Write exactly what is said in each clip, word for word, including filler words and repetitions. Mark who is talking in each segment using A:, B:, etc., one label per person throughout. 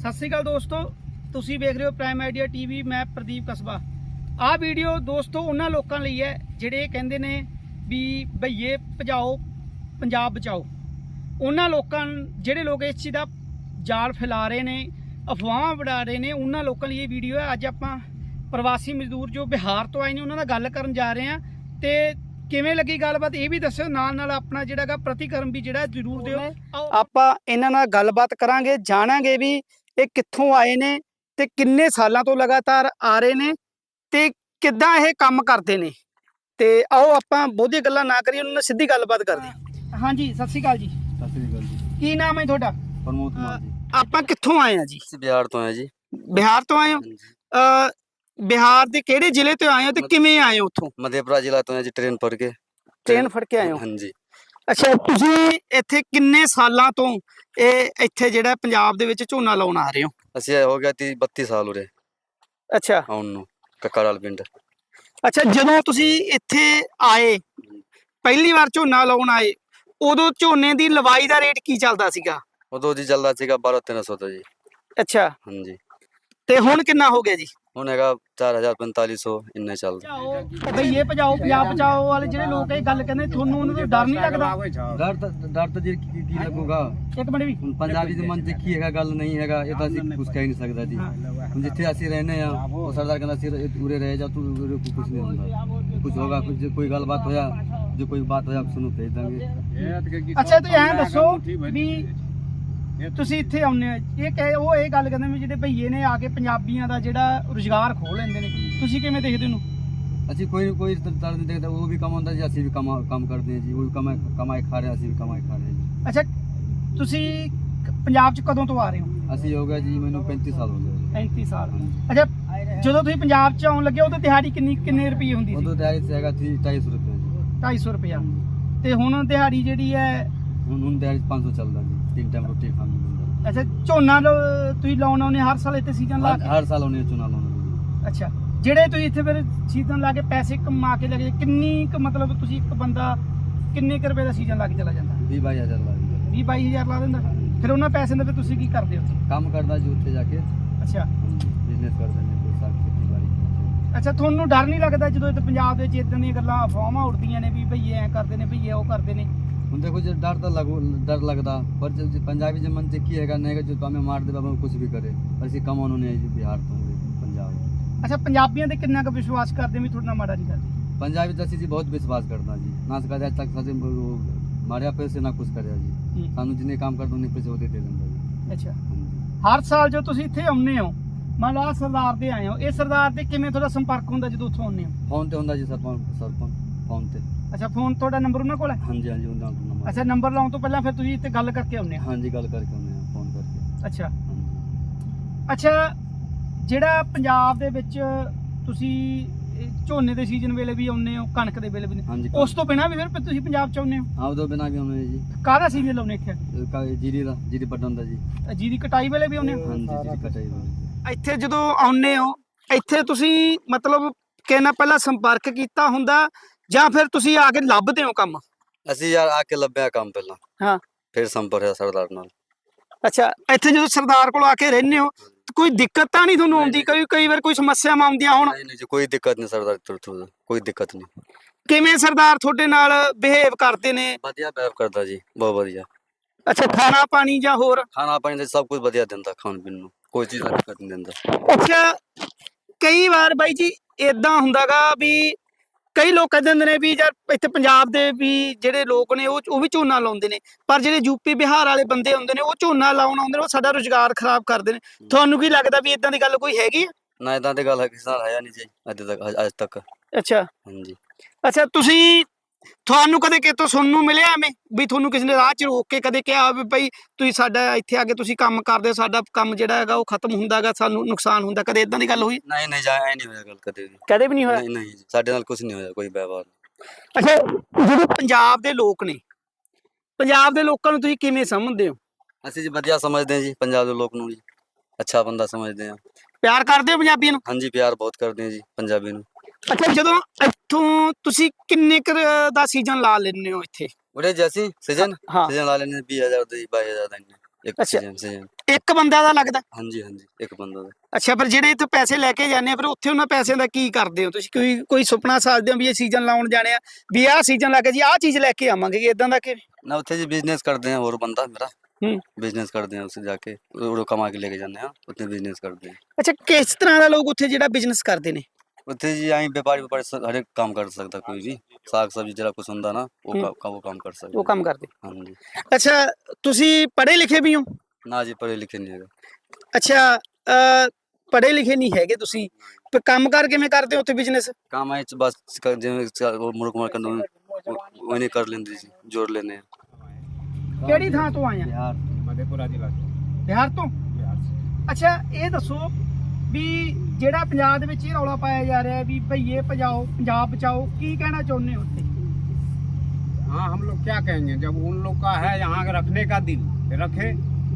A: ਸਤਿ ਸ਼੍ਰੀ ਅਕਾਲ ਦੋਸਤੋ, ਤੁਸੀਂ ਵੇਖ ਰਹੇ ਹੋ ਪ੍ਰਾਈਮ ਆਈਡੀਆ ਟੀਵੀ। ਮੈਂ ਪ੍ਰਦੀਪ ਕਸਬਾ। ਆਹ ਵੀਡੀਓ ਦੋਸਤੋ ਉਹਨਾਂ ਲੋਕਾਂ ਲਈ ਹੈ ਜਿਹੜੇ ਕਹਿੰਦੇ ਨੇ ਵੀ ਭਈਏ ਭਜਾਓ ਪੰਜਾਬ ਬਚਾਓ। ਉਹਨਾਂ ਲੋਕਾਂ ਜਿਹੜੇ ਲੋਕ ਇਸ ਚੀਜ਼ ਦਾ ਜਾਲ ਫੈਲਾ ਰਹੇ ਨੇ, ਅਫਵਾਹਾਂ ਉਡਾ ਰਹੇ ਨੇ, ਉਹਨਾਂ ਲੋਕਾਂ ਲਈ ਇਹ ਵੀਡੀਓ ਹੈ। ਅੱਜ ਆਪਾਂ ਪ੍ਰਵਾਸੀ ਮਜ਼ਦੂਰ ਜੋ ਬਿਹਾਰ ਤੋਂ ਆਏ ਨੇ ਉਹਨਾਂ ਨਾਲ ਗੱਲ ਕਰਨ ਜਾ ਰਹੇ ਹਾਂ ਤੇ ਕਿਵੇਂ ਲੱਗੀ ਗੱਲਬਾਤ ਇਹ ਵੀ ਦੱਸਿਓ। ਨਾਲ ਨਾਲ ਆਪਣਾ ਜਿਹੜਾਗਾ ਪ੍ਰਤੀਕਰਮ ਵੀ ਜਿਹੜਾ ਜ਼ਰੂਰ ਦਿਓ। ਆਪਾਂ ਇਹਨਾਂ ਨਾਲ ਗੱਲਬਾਤ ਕਰਾਂਗੇ, ਜਾਣਾਂਗੇ ਵੀ ਇਹ ਕਿੱਥੋਂ ਆਏ ਨੇ ਤੇ ਕਿੰਨੇ ਸਾਲਾਂ ਤੋਂ ਲਗਾਤਾਰ ਆ ਰਹੇ ਨੇ ਤੇ ਕਿੱਦਾਂ ਇਹ ਕੰਮ ਕਰਦੇ ਨੇ। ਤੇ ਆਓ ਆਪਾਂ ਬਹੁਤੀ ਗੱਲਾਂ ਨਾ ਕਰੀਏ, ਉਹਨਾਂ ਨਾਲ ਸਿੱਧੀ ਗੱਲਬਾਤ ਕਰਦੇ ਹਾਂ। ਹਾਂਜੀ, ਸਤਿ ਸ਼੍ਰੀ ਅਕਾਲ ਜੀ।
B: ਸਤਿ ਸ੍ਰੀ ਅਕਾਲ ਜੀ।
A: ਕੀ ਨਾਮ ਹੈ ਤੁਹਾਡਾ?
B: ਪ੍ਰਮੋਦ ਕੁਮਾਰ ਜੀ।
A: ਆਪਾਂ ਕਿੱਥੋਂ ਆਏ ਆ ਜੀ?
B: ਅਸੀਂ ਬਿਹਾਰ ਤੋਂ ਆਏ ਜੀ।
A: ਬਿਹਾਰ ਤੋਂ ਆਏ ਹੋ? ਅ ਬਿਹਾਰ ਦੇ ਕਿਹੜੇ ਜ਼ਿਲ੍ਹੇ ਤੋਂ ਆਏ ਹੋ ਤੇ ਕਿਵੇਂ ਆਏ ਹੋ ਉੱਥੋਂ?
B: ਮਧੇਪੁਰਾ ਜ਼ਿਲ੍ਹਾ ਤੋਂ ਆਏ ਜੀ, ਟ੍ਰੇਨ ਫੜ ਕੇ।
A: ਟ੍ਰੇਨ ਫੜ ਕੇ ਆਏ ਹੋ?
B: ਹਾਂਜੀ।
A: ਅੱਛਾ, ਤੁਸੀਂ ਇੱਥੇ ਕਿੰਨੇ ਸਾਲਾਂ ਤੋਂ ਇਹ ਇੱਥੇ ਜਿਹੜਾ ਪੰਜਾਬ ਦੇ ਵਿੱਚ ਝੋਨਾ ਲਾਉਣ ਆ ਰਹੇ ਹੋ?
B: ਅਸੀਂ ਹੋ ਗਿਆ ਤੀ ਬੱਤੀ ਸਾਲ ਉਰੇ
A: ਅੱਛਾ
B: ਆਉਣ ਨੂੰ, ਕੱਕਾੜਾਲ ਪਿੰਡ।
A: ਅੱਛਾ, ਜਦੋਂ ਤੁਸੀਂ ਇੱਥੇ ਆਏ ਪਹਿਲੀ ਵਾਰ ਝੋਨਾ ਲਾਉਣ ਆਏ ਉਦੋਂ ਝੋਨੇ ਦੀ ਲਵਾਈ ਦਾ ਰੇਟ ਕੀ ਚੱਲਦਾ ਸੀਗਾ?
B: ਉਦੋਂ ਜੀ ਚੱਲਦਾ ਸੀਗਾ ਬਾਰਾਂ ਤੇਰਾਂ ਸੌ ਦਾ ਜੀ।
A: ਅੱਛਾ,
B: ਹਾਂਜੀ।
A: ਤੇ ਹੁਣ ਕਿੰਨਾ ਹੋ ਗਿਆ ਜੀ?
B: ਹੁਣ ਹੈਗਾ ਚਾਰ ਹਜ਼ਾਰ ਪੰਤਾਲੀ ਸੌ, ਇੰਨਾ ਚੱਲਦਾ।
A: ਭਈਏ ਭਜਾਓ ਪੰਜਾਬ ਬਚਾਓ ਵਾਲੇ ਜਿਹੜੇ ਲੋਕ ਇਹ ਗੱਲ ਕਹਿੰਦੇ, ਤੁਹਾਨੂੰ ਉਹਨਾਂ ਤੋਂ ਡਰ ਨਹੀਂ ਲੱਗਦਾ?
B: ਡਰ ਤਾਂ ਡਰ ਤਾਂ ਜੀ ਕੀ ਕੀ ਲੱਗੂਗਾ।
A: ਇੱਕ ਮਿੰਟ ਵੀ।
B: ਹੁਣ ਪੰਜਾਬੀ ਦੇ ਮਨ 'ਚ ਕੀ ਹੈਗਾ, ਗੱਲ ਨਹੀਂ ਹੈਗਾ, ਇਹ ਤਾਂ ਅਸੀਂ ਕੁਝ ਕਹਿ ਨਹੀਂ ਸਕਦਾ ਜੀ। ਹੁਣ ਜਿੱਥੇ ਅਸੀਂ ਰਹਿੰਦੇ ਆ ਉਹ ਸਰਦਾਰ ਕਹਿੰਦਾ ਸੀ ਉਰੇ ਰਹਿ ਜਾ ਤੂੰ, ਉਰੇ ਕੁਝ ਨਹੀਂ ਹੁੰਦਾ, ਕੁਝ ਹੋਗਾ, ਕੁਝ ਕੋਈ ਗੱਲਬਾਤ ਹੋਇਆ, ਜੋ ਕੋਈ ਬਾਤ ਹੋਇਆ ਸੁਣੋ ਭੇਜ ਦਾਂਗੇ।
A: ਅੱਛਾ, ਤੇ ਐਂ ਦੱਸੋ ਵੀ ਤੁਸੀਂ ਇੱਥੇ ਆਉਂਦੇ ਹੋ, ਇਹ ਕਹੇ ਉਹ ਇਹ ਗੱਲ ਕਹਿੰਦੇ ਵੀ ਜਿਹੜੇ ਭਈਏ ਨੇ ਆ ਕੇ ਪੰਜਾਬੀਆਂ ਦਾ ਜਿਹੜਾ ਰੁਜ਼ਗਾਰ ਖੋਹ ਲੈਂਦੇ ਨੇ, ਤੁਸੀਂ ਕਿਵੇਂ ਦੇਖਦੇ ਹੋ?
B: ਅਸੀਂ ਕੋਈ ਕੋਈ ਤਰ੍ਹਾਂ ਨਹੀਂ ਦੇਖਦਾ, ਉਹ ਵੀ ਕਮਾਉਂਦਾ ਜੀ, ਅਸੀਂ ਵੀ ਕਮਾ ਕੰਮ ਕਰਦੇ ਹਾਂ ਜੀ। ਉਹ ਵੀ ਕਮਾਈ ਕਮਾਈ ਖਾ ਰਹੇ, ਅਸੀਂ ਵੀ ਕਮਾਈ ਖਾ ਰਹੇ ਜੀ।
A: ਅੱਛਾ, ਤੁਸੀਂ ਪੰਜਾਬ 'ਚ ਕਦੋਂ ਤੋਂ ਆ ਰਹੇ ਹੋ?
B: ਅਸੀਂ ਹੋ ਗਿਆ ਜੀ, ਮੈਨੂੰ ਪੈਂਤੀ ਸਾਲ ਹੋ ਗਏ।
A: ਪੈਂਤੀ ਸਾਲ। ਅੱਛਾ, ਜਦੋਂ ਤੁਸੀਂ ਪੰਜਾਬ 'ਚ ਆਉਣ ਲੱਗੇ ਉਦੋਂ ਦਿਹਾੜੀ ਕਿੰਨੀ ਕਿੰਨੇ ਰੁਪਏ ਹੁੰਦੀ ਸੀ?
B: ਉਦੋਂ ਦਿਹਾੜੀ ਤੇ ਹੈਗਾ ਸੀ ਢਾਈ ਸੌ ਰੁਪਏ ਜੀ।
A: ਢਾਈ ਸੌ ਰੁਪਇਆ। ਤੇ ਹੁਣ ਦਿਹਾੜੀ ਜਿਹੜੀ ਹੈ
B: ਹੁਣ ਹੁਣ ਦਿਹਾੜੀ ਪੰਜ ਸੌ ਚੱਲਦਾ ਜੀ, ਤਿੰਨ ਟਾਈਮ ਰੋਟੀ ਖਾਣ ਨੂੰ ਮਿਲਦਾ।
A: ਅੱਛਾ, ਝੋਨਾ ਤੁਸੀਂ ਲਾਉਣ ਆਉਂਦੇ ਹਰ ਸਾਲ ਇੱਥੇ ਸੀਜ਼ਨ ਲਾ ਕੇ?
B: ਹਰ ਸਾਲ ਆਉਂਦੇ ਚੁਣਾ ਲਾਉਂਦੇ।
A: ਅੱਛਾ, ਜਿਹੜੇ ਤੁਸੀਂ ਇੱਥੇ ਫਿਰ ਸੀਜ਼ਨ ਲਾ ਕੇ ਪੈਸੇ ਕਮਾ ਕੇ ਲੱਗੇ, ਕਿੰਨੀ ਕੁ ਮਤਲਬ ਤੁਸੀਂ ਇੱਕ ਬੰਦਾ ਕਿੰਨੇ ਕੁ ਰੁਪਏ ਦਾ ਸੀਜ਼ਨ ਲਾ ਕੇ ਚਲਾ ਜਾਂਦਾ?
B: ਵੀਹ ਬਾਈ ਹਜ਼ਾਰ ਲਾ ਦਿੰਦਾ।
A: ਵੀਹ ਬਾਈ ਹਜ਼ਾਰ ਲਾ ਦਿੰਦਾ। ਫਿਰ ਉਹਨਾਂ ਪੈਸੇ ਦੇ ਫਿਰ ਤੁਸੀਂ ਕੀ ਕਰਦੇ ਹੋ?
B: ਕੰਮ ਕਰਦਾ ਜੀ ਉੱਥੇ ਜਾ ਕੇ।
A: ਅੱਛਾ,
B: ਬਿਜ਼ਨਸ ਕਰਦੇ ਨੇ, ਕੋਈ ਸਾਗ ਖੇਤੀਬਾੜੀ।
A: ਅੱਛਾ, ਤੁਹਾਨੂੰ ਡਰ ਨਹੀਂ ਲੱਗਦਾ ਜਦੋਂ ਇੱਥੇ ਪੰਜਾਬ ਦੇ ਵਿੱਚ ਇਦਾਂ ਦੀਆਂ ਗੱਲਾਂ ਅਫਵਾਹਾਂ ਉੱਡਦੀਆਂ ਨੇ ਵੀ ਭਈਏ ਐਂ ਕਰਦੇ ਨੇ, ਭਈਏ ਉਹ ਕਰਦੇ ਨੇ?
B: ਹੁਣ देखो जो डर तो लगू डर लगता, पर जो पंजाबी जो मन से की है नहीं जो हमें मार दे बाबा कुछ भी करे, पर इसी कम उन्होंने बिहार तो पंजाब।
A: ਅੱਛਾ, ਪੰਜਾਬੀਆਂ ਤੇ ਕਿੰਨਾ ਕੁ ਵਿਸ਼ਵਾਸ ਕਰਦੇ ਵੀ ਤੁਹਾਡਾ ਮਾੜਾ नहीं ਕਰਦੇ?
B: पंजाबी तो जी बहुत विश्वास करता जी, ना कदे तक सजे मारिया पैसे ना कुछ करे जी। सानू जिन्हें काम करते उन्हें पैसे होते दे देंगे जी।
A: ਅੱਛਾ, ਹਰ ਸਾਲ ਜੋ ਤੁਸੀਂ ਇੱਥੇ ਆਉਂਦੇ ਹੋ, ਮੰਨ ਲਓ ਆਹ ਸਰਦਾਰ ਦੇ ਆਏ ਹੋ, ਇਹ ਸਰਦਾਰ ਤੇ ਕਿਵੇਂ ਤੁਹਾਡਾ ਸੰਪਰਕ ਹੁੰਦਾ ਜਦੋਂ ਉੱਥੋਂ ਆਉਂਦੇ ਹੋ?
B: फोन ते हुंदा जी सरपंच सरपंच फोन ते।
A: ਅੱਛਾ, ਫੋਨ ਤੁਹਾਡਾ ਨੰਬਰ ਉਹਨਾਂ ਕੋਲ ਹੈ?
B: हाँ जी हाँ जी उनका नंबर।
A: ਅੱਛਾ, ਨੰਬਰ ਲਾਉਣ ਤੋਂ ਪਹਿਲਾਂ ਫਿਰ ਤੁਸੀਂ ਇੱਥੇ ਗੱਲ ਕਰਕੇ ਆਉਂਦੇ ਹੋ?
B: हाँ जी गल करके आने फोन करके।
A: ਅੱਛਾ
B: हाँ जी।
A: ਅੱਛਾ, ਜਿਹੜਾ ਪੰਜਾਬ ਦੇ ਵਿੱਚ ਤੁਸੀਂ ਇਹ ਝੋਨੇ ਦੇ ਸੀਜ਼ਨ ਵੇਲੇ ਵੀ ਆਉਂਦੇ ਹੋ, ਕਣਕ ਦੇ ਵੇਲੇ ਵੀ,
B: हाँ जी
A: ਉਸ ਤੋਂ ਬਿਨਾਂ ਵੀ ਫਿਰ ਤੁਸੀਂ ਪੰਜਾਬ 'ਚ ਆਉਂਦੇ ਹੋ?
B: हाँ उदो बिना भी आने जी।
A: ਕਾਹਦਾ ਸੀਜ਼ਨ ਲਾਉਂਦੇ ਇੱਥੇ?
B: जीरी दा जीरी पटन दा जी।
A: ਜੀਰੀ ਕਟਾਈ ਵੇਲੇ ਵੀ ਆਉਂਦੇ ਹੋ?
B: हाँ जी जीरी कटाई दा।
A: ਇੱਥੇ ਜਦੋਂ ਆਉਂਦੇ ਹੋ ਇੱਥੇ ਤੁਸੀਂ ਮਤਲਬ ਕਿਸੇ ਨਾਲ ਪਹਿਲਾਂ ਸੰਪਰਕ ਕੀਤਾ ਹੁੰਦਾ ਜਾਂ ਫਿਰ ਤੁਸੀਂ ਆ ਕੇ ਲੱਭਦੇ ਹੋ ਕੰਮ?
B: ਅਸੀਂ ਯਾਰ ਆ ਕੇ ਲੱਭਿਆ ਕੰਮ ਪਹਿਲਾਂ,
A: ਹਾਂ,
B: ਫਿਰ ਸੰਪਰਕ ਹੋਇਆ ਸਰਦਾਰ ਨਾਲ।
A: ਅੱਛਾ, ਇੱਥੇ ਜਦੋਂ ਸਰਦਾਰ ਕੋਲ ਆ ਕੇ ਰਹਿੰਦੇ ਹੋ ਕੋਈ ਦਿੱਕਤ ਤਾਂ ਨਹੀਂ ਤੁਹਾਨੂੰ ਆਉਂਦੀ? ਕਈ ਕਈ ਵਾਰ ਕੋਈ ਸਮੱਸਿਆਵਾਂ ਆਉਂਦੀਆਂ ਹੁਣ?
B: ਨਹੀਂ ਨਹੀਂ ਜੀ, ਕੋਈ ਦਿੱਕਤ ਨਹੀਂ ਸਰਦਾਰ ਤੋਂ, ਕੋਈ ਦਿੱਕਤ ਨਹੀਂ।
A: ਕਿਵੇਂ ਸਰਦਾਰ ਤੁਹਾਡੇ ਨਾਲ ਬਿਹੇਵ ਕਰਦੇ ਨੇ?
B: ਵਧੀਆ ਬਿਹੇਵ ਕਰਦਾ ਜੀ, ਬਹੁਤ ਵਧੀਆ।
A: ਅੱਛਾ, ਖਾਣਾ ਪਾਣੀ ਜਾਂ ਹੋਰ?
B: ਖਾਣਾ ਪਾਣੀ ਤੇ ਸਭ ਕੁਝ ਵਧੀਆ ਦਿੰਦਾ, ਖਾਣ ਪੀਣ ਨੂੰ ਕੋਈ ਚੀਜ਼ ਦਾ ਦਿੱਕਤ ਨਹੀਂ ਦਿੰਦਾ।
A: ਅੱਛਾ, ਕਈ ਵਾਰ ਬਾਈ ਜੀ ਏਦਾਂ ਹੁੰਦਾਗਾ ਵੀ ਕਈ ਲੋਕ ਕਹਿੰਦੇ ਹੁੰਦੇ ਨੇ ਵੀ ਯਾਰ ਇੱਥੇ ਪੰਜਾਬ ਦੇ ਵੀ ਜਿਹੜੇ ਲੋਕ ਨੇ ਉਹ ਉਹ ਵੀ ਝੋਨਾ ਲਾਉਂਦੇ ਨੇ, ਪਰ ਜਿਹੜੇ ਯੂਪੀ ਬਿਹਾਰ ਵਾਲੇ ਬੰਦੇ ਹੁੰਦੇ ਨੇ ਉਹ ਝੋਨਾ ਲਾਉਣ ਆਉਂਦੇ ਨੇ, ਉਹ ਸਾਡਾ ਰੁਜ਼ਗਾਰ ਖਰਾਬ ਕਰਦੇ ਨੇ। ਤੁਹਾਨੂੰ ਕੀ ਲੱਗਦਾ ਵੀ ਇਦਾਂ ਦੀ ਗੱਲ ਕੋਈ ਹੈਗੀ ਹੈ?
B: ਨਾ ਇਦਾਂ ਦੀ ਗੱਲ ਹੈ ਕਿਸੇ ਨਾਲ ਹੈ ਨਹੀਂ ਜੀ ਅੱਜ ਤੱਕ, ਅੱਜ ਤੱਕ।
A: ਅੱਛਾ
B: ਹਾਂਜੀ।
A: ਅੱਛਾ, ਤੁਸੀਂ ਤੁਹਾਨੂੰ ਕਦੇ ਕਿਤੋਂ ਸੁਣਨ ਨੂੰ ਮਿਲਿਆ ਐਵੇਂ ਵੀ ਤੁਹਾਨੂੰ ਕਿਸੇ ਨੇ ਰਾਹ 'ਚ ਰੋਕ ਕੇ ਕਦੇ ਕਿਹਾ ਵੀ ਭਾਈ ਤੁਸੀਂ ਸਾਡਾ ਇੱਥੇ ਆ ਕੇ ਤੁਸੀਂ ਕੰਮ ਕਰਦੇ ਹੋ, ਸਾਡਾ ਕੰਮ ਜਿਹੜਾ ਹੈਗਾ ਉਹ ਖਤਮ ਹੁੰਦਾ ਗਾ, ਸਾਨੂੰ ਨੁਕਸਾਨ ਹੁੰਦਾ, ਕਦੇ ਇਦਾਂ ਦੀ ਗੱਲ ਹੋਈ?
B: ਨਹੀਂ ਨਹੀਂ ਜਾ, ਐ ਨਹੀਂ ਹੋਇਆ ਗੱਲ ਕਦੇ ਵੀ।
A: ਕਦੇ ਵੀ ਨਹੀਂ ਹੋਇਆ?
B: ਨਹੀਂ ਨਹੀਂ ਜੀ, ਸਾਡੇ ਨਾਲ ਕੁਝ ਨਹੀਂ ਹੋਇਆ, ਕੋਈ ਵਿਵਹਾਰ।
A: ਅੱਛਾ, ਜਿਹੜੇ ਪੰਜਾਬ ਦੇ ਲੋਕ ਨੇ, ਪੰਜਾਬ ਦੇ ਲੋਕਾਂ ਨੂੰ ਤੁਸੀਂ ਕਿਵੇਂ ਸਮਝਦੇ ਹੋ?
B: ਅਸੀਂ ਜੀ ਵਧੀਆ ਸਮਝਦੇ ਹਾਂ ਜੀ ਪੰਜਾਬ ਦੇ ਲੋਕ ਨੂੰ ਜੀ, ਅੱਛਾ ਬੰਦਾ ਸਮਝਦੇ ਹਾਂ।
A: ਪਿਆਰ ਕਰਦੇ ਹੋ ਪੰਜਾਬੀਆਂ ਨੂੰ?
B: ਹਾਂਜੀ, ਪਿਆਰ ਬਹੁਤ ਕਰਦੇ ਹਾਂ ਜੀ ਪੰਜਾਬੀ ਨੂੰ।
A: ਅੱਛਾ, ਜਦੋਂ ਇੱਥੋਂ ਤੁਸੀਂ ਕਿੰਨੇ ਕੁ ਦਾ ਸੀਜ਼ਨ ਲਾ ਲੈਂਦੇ ਹੋ ਇੱਥੇ?
B: ਉਰੇ ਜੈਸੀ ਸੀਜ਼ਨ
A: ਹਾਂ,
B: ਸੀਜ਼ਨ ਲਾ ਲੈਂਦੇ ਵੀਹ ਹਜ਼ਾਰ ਦਾ ਜੀ, ਬਾਈ ਹਜ਼ਾਰ ਦਾ ਇੱਕ ਸੀਜ਼ਨ ਸੀਜ਼ਨ।
A: ਇੱਕ ਬੰਦਾ ਦਾ ਲੱਗਦਾ?
B: ਹਾਂਜੀ ਹਾਂਜੀ ਇੱਕ ਬੰਦਾ ਦਾ।
A: ਅੱਛਾ, ਪਰ ਜਿਹੜੇ ਇੱਥੇ ਪੈਸੇ ਲੈ ਕੇ ਜਾਂਦੇ ਆ ਫਿਰ ਉੱਥੇ ਉਹਨਾਂ ਪੈਸਿਆਂ ਦਾ ਕੀ ਕਰਦੇ ਹੋ ਤੁਸੀਂ? ਕੋਈ ਕੋਈ ਸੁਪਨਾ ਸਾਜਦੇ ਹੋ ਵੀ ਇਹ ਸੀਜ਼ਨ ਲਾਉਣ ਜਾਣੇ ਆ, ਵੀ ਆਹ ਸੀਜ਼ਨ ਲਾ ਕੇ ਜੀ ਆਹ ਚੀਜ਼ ਲੈ ਕੇ ਆਵਾਂਗੇ, ਇਦਾਂ ਦਾ ਕਿ?
B: ਨਾ ਉੱਥੇ ਜੀ ਬਿਜ਼ਨਸ ਕਰਦੇ ਆ, ਹੋਰ ਬੰਦਾ ਮੇਰਾ
A: ਹੂੰ।
B: ਬਿਜ਼ਨਸ ਕਰਦੇ ਆ, ਉੱਥੇ ਜਾ ਕੇ ਉਹ ਕਮਾ ਕੇ ਲੈ ਕੇ ਜਾਂਦੇ ਆ, ਉੱਥੇ ਬਿਜ਼ਨਸ ਕਰਦੇ ਆ।
A: ਅੱਛਾ, ਕਿਸ ਤਰ੍ਹਾਂ ਦਾ ਲੋਕ ਉੱਥੇ ਜਿਹੜਾ ਬਿਜ਼ਨਸ ਕਰਦੇ ਨੇ?
B: ਉੱਥੇ ਜੀ ਆਈ ਵਪਾਰੀ ਵਪਾਰੀ ਸ- ਹਰ ਇੱਕ ਕੰਮ ਕਰ ਸਕਦਾ ਕੋਈ ਵੀ, ਸਾਗ ਸਬਜ਼ੀ ਜਿਹੜਾ ਕੁਛ ਹੁੰਦਾ ਨਾ ਉਹ
A: ਹੂੰ।
B: ਕੰਮ ਉਹ ਕੰਮ ਕਰ ਸਕਦਾ।
A: ਉਹ ਕੰਮ ਕਰਦੇ?
B: ਹਾਂਜੀ।
A: ਅੱਛਾ, ਤੁਸੀਂ ਪੜ੍ਹੇ ਲਿਖੇ ਵੀ ਹੋ?
B: ਨਾ ਜੀ ਪੜ੍ਹੇ ਲਿਖੇ ਨਹੀਂ ਹੈਗਾ।
A: ਅੱਛਾ, ਅ, ਪੜ੍ਹੇ ਲਿਖੇ ਨਹੀਂ ਹੈਗੇ ਤੁਸੀਂ, ਪਰ ਕੰਮ ਕਾਰ ਕਿਵੇਂ ਕਰਦੇ ਹੋ ਉੱਥੇ ਬਿਜ਼ਨਸ?
B: ਕੰਮ ਆਏ ਚ ਬਸ ਕ- ਜਿਵੇਂ ਚ- ਉਹ ਮੁਰਕ ਮਾਰ ਕੰਨੂ ਉਹ ਨਹੀਂ ਕਰ ਲੈਂਦੇ ਜੀ, ਜੋੜ ਲੈਂਦੇ ਆ।
A: ਕਿਹੜੀ ਥਾਂ ਤੋਂ ਆਏ ਆ?
B: ਬਿਹਾਰ
C: मधेपुरा जिला से
A: ਬਿਹਾਰ ਤੋਂ?
C: बिहार से।
A: ਅੱਛਾ, ਇਹ ਦੱਸੋ ਵੀ ਜਿਹੜਾ ਪੰਜਾਬ ਦੇ ਵਿੱਚ ਇਹ ਰੌਲਾ ਪਾਇਆ ਜਾ ਰਿਹਾ ਵੀ ਭਈਏ ਭਜਾਓ ਪੰਜਾਬ ਬਚਾਓ, ਕੀ ਕਹਿਣਾ ਚਾਹੁੰਦੇ ਹੋ ਉੱਤੇ?
C: हाँ, हम लोग क्या कहेंगे, जब उन लोग का है यहाँ के रखने का दिन तो रखे,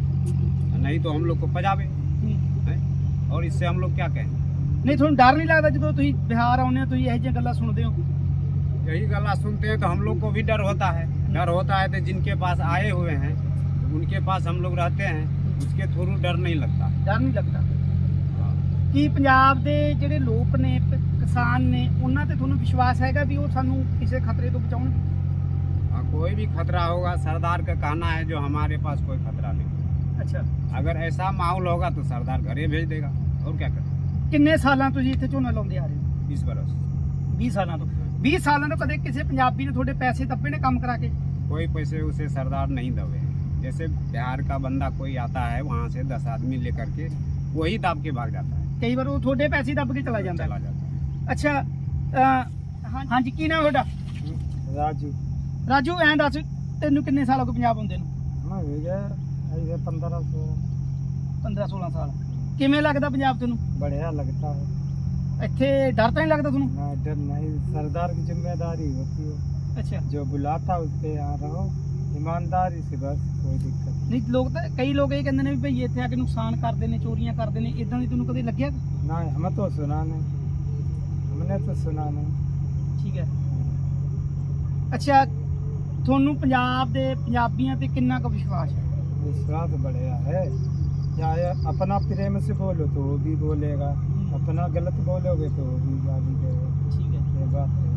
C: नहीं तो हम लोग को पजावे हैं? और इससे हम लोग क्या कहेंगे?
A: ਨਹੀਂ ਤੁਹਾਨੂੰ ਡਰ ਨਹੀਂ ਲੱਗਦਾ ਜਦੋਂ ਤੁਸੀਂ ਬਿਹਾਰ ਆਉਂਦੇ ਹੋ, ਤੁਸੀਂ ਇਹੋ ਜਿਹੀਆਂ ਗੱਲਾਂ ਸੁਣਦੇ ਹੋ?
C: यही गला सुनते हैं तो हम लोग को भी डर होता है। डर होता है तो जिनके पास आए हुए हैं उनके पास हम लोग रहते हैं, उसके थ्रू डर नहीं लगता।
A: ਡਰ ਨਹੀਂ ਲੱਗਦਾ? ਕੀ ਪੰਜਾਬ ਦੇ ਜਿਹੜੇ ਲੋਕ ਨੇ, ਪ- ਕਿਸਾਨ ਨੇ, ਉਹਨਾਂ ਤੇ ਤੁਹਾਨੂੰ ਵਿਸ਼ਵਾਸ ਹੈਗਾ ਵੀ ਉਹ ਸਾਨੂੰ ਕਿਸੇ ਖਤਰੇ ਤੋਂ ਬਚਾਉਣਗੇ?
C: हाँ, कोई भी खतरा होगा, सरदार का कहना है जो हमारे पास कोई खतरा नहीं।
A: ਅੱਛਾ,
C: अगर ऐसा माहौल होगा तो सरदार घरे भेज देगा, और क्या करें।
A: ਕਿੰਨੇ ਸਾਲਾਂ ਤੋਂ ਜੀ ਇੱਥੇ ਝੋਨਾ ਲਾਉਂਦੇ ਆ ਰਹੇ ਹੋ?
C: इस बरस
A: ਵੀਹ ਸਾਲਾਂ ਤੋਂ। ਵੀਹ ਸਾਲਾਂ ਤੋਂ ਕਦੇ ਕਿਸੇ ਪੰਜਾਬੀ ਨੇ ਤੁਹਾਡੇ ਪੈਸੇ ਦੱਬੇ ਨੇ ਕੰਮ ਕਰਾ ਕੇ?
C: कोई पैसे उसे सरदार नहीं दबे हैं। जैसे बिहार का बंदा कोई आता है वहाँ से दस आदमी लेकर के वही दाब के भाग जाता है,
A: ਕਈ ਵਾਰ ਉਹ ਤੁਹਾਡੇ ਪੈਸੇ ਦੱਬ ਕੇ ਚਲਾ ਜਾਂਦਾ
C: चला
A: ਹੈ।
C: जाता है।
A: ਅੱਛਾ, ਅ, ਹਾਂ- ਹਾਂਜੀ, ਕੀ ਨਾਮ ਤੁਹਾਡਾ?
C: राजू
A: ਰਾਜੂ, ਐਂ ਦੱਸ ਤੈਨੂੰ ਕਿੰਨੇ ਸਾਲ ਹੋ ਗਏ ਪੰਜਾਬ ਆਉਂਦੇ ਨੂੰ?
C: मैं भैया ऐसे पंद्रह सौ
A: ਪੰਦਰਾਂ ਸੋਲਾਂ ਸਾਲ। ਕਿਵੇਂ ਲੱਗਦਾ ਪੰਜਾਬ ਤੈਨੂੰ?
C: बढ़िया लगता है।
A: ਇੱਥੇ ਡਰ ਤਾਂ ਨਹੀਂ ਲੱਗਦਾ ਤੁਹਾਨੂੰ?
C: ना डर नहीं, सरदार की जिम्मेदारी होती है,
A: ਅੱਛਾ,
C: जो बुलाता है उसके यहाँ रहो ईमानदारी से, बस कोई दिक्कत नहीं।
A: ਨਹੀਂ ਲੋਕ ਤਾਂ, ਕਈ ਲੋਕ ਇਹ ਕਹਿੰਦੇ ਨੇ ਵੀ ਭਈ ਇੱਥੇ ਆ ਕੇ ਨੁਕਸਾਨ ਕਰਦੇ ਨੇ, ਚੋਰੀਆਂ ਕਰਦੇ ਨੇ, ਇਦਾਂ ਦੀ ਤੈਨੂੰ ਕਦੇ ਲੱਗਿਆ?
C: ना हमें तो सुना नहीं, हमने तो सुना नहीं।
A: ਠੀਕ ਹੈ। ਅੱਛਾ, ਤੁਹਾਨੂੰ ਪੰਜਾਬ ਦੇ ਪੰਜਾਬੀਆਂ ਤੇ ਕਿੰਨਾ ਕੁ ਵਿਸ਼ਵਾਸ ਹੈ?
C: विश्वास बढ़िया है। चाहे अपना प्रेम से बोलो तो वो भी बोलेगा, अपना गलत बोलोगे तो वो भी गाली देगा।
A: ਠੀਕ ਹੈ,
C: ये बात है।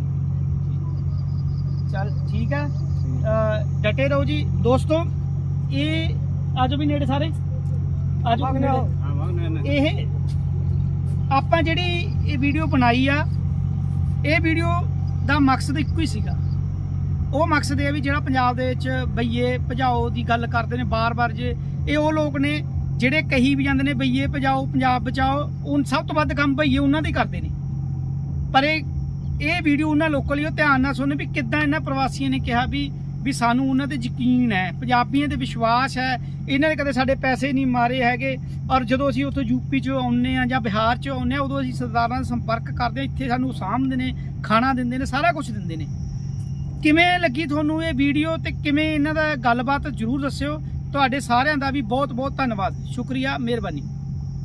A: ਚੱਲ ਠੀਕ ਹੈ।
C: ठीक।
A: ਅ, ਡਟੇ ਰਹੋ ਜੀ ਦੋਸਤੋ। ਇਹ ਆਜੋ ਵੀ ਨੇੜੇ ਸਾਰੇ, ਆਜੋ ਵੀ ਨੇੜੇ।
C: हाँ, भागना नहीं।
A: ਇਹ ਆਪਾਂ ਜਿਹੜੀ ਇਹ ਵੀਡੀਓ ਬਣਾਈ ਆ, ਇਹ ਵੀਡੀਓ ਦਾ ਮਕਸਦ ਇੱਕੋ ਹੀ ਸੀਗਾ। ਉਹ ਮਕਸਦ ਇਹ ਆ ਵੀ ਜਿਹੜਾ ਪੰਜਾਬ ਦੇ ਵਿੱਚ ਬਈਏ ਭਜਾਓ ਦੀ ਗੱਲ ਕਰਦੇ ਨੇ ਬਾਰ-ਬਾਰ, ਜੇ ਇਹ ਉਹ ਲੋਕ ਨੇ ਜਿਹੜੇ ਕਹੀ ਵੀ ਜਾਂਦੇ ਨੇ ਬਈਏ ਭਜਾਓ ਪੰਜਾਬ ਬਚਾਓ, ਉਹ ਸਭ ਤੋਂ ਵੱਧ ਕੰਮ ਬਈਏ ਉਹਨਾਂ ਦੇ ਕਰਦੇ ਨੇ। ਪਰ ਇਹ ਇਹ ਵੀਡੀਓ ਉਹਨਾਂ ਲੋਕਾਂ ਲਈ ਉਹ ਧਿਆਨ ਨਾਲ ਸੁਣਨ ਵੀ ਕਿੱਦਾਂ ਇਹਨਾਂ ਪ੍ਰਵਾਸੀਆਂ ਨੇ ਕਿਹਾ ਵੀ ਵੀ ਸਾਨੂੰ ਉਹਨਾਂ ਤੇ ਯਕੀਨ ਹੈ, ਪੰਜਾਬੀਆਂ ਤੇ ਵਿਸ਼ਵਾਸ ਹੈ, ਇਹਨਾਂ ਨੇ ਕਦੇ ਸਾਡੇ ਪੈਸੇ ਨਹੀਂ ਮਾਰੇ ਹੈਗੇ। ਔਰ ਜਦੋਂ ਅਸੀਂ ਉੱਥੋਂ ਯੂਪੀ 'ਚੋਂ ਆਉਂਦੇ ਆ ਜਾਂ ਬਿਹਾਰ 'ਚੋਂ ਆਉਂਦੇ ਆ, ਉਦੋਂ ਅਸੀਂ ਸਰਦਾਰਾਂ ਨਾਲ ਸੰਪਰਕ ਕਰਦੇ ਹਾਂ, ਇੱਥੇ ਸਾਨੂੰ ਸਾਂਭਦੇ ਨੇ, ਖਾਣਾ ਦਿੰਦੇ ਨੇ, ਸਾਰਾ ਕੁਝ ਦਿੰਦੇ ਨੇ। ਕਿਵੇਂ ਲੱਗੀ ਤੁਹਾਨੂੰ ਇਹ ਵੀਡੀਓ ਤੇ ਕਿਵੇਂ ਇਹਨਾਂ ਦਾ ਗੱਲਬਾਤ ਜ਼ਰੂਰ ਦੱਸਿਓ। ਤੁਹਾਡੇ ਸਾਰਿਆਂ ਦਾ ਵੀ ਬਹੁਤ ਬਹੁਤ ਧੰਨਵਾਦ, ਸ਼ੁਕਰੀਆ, ਮਿਹਰਬਾਨੀ।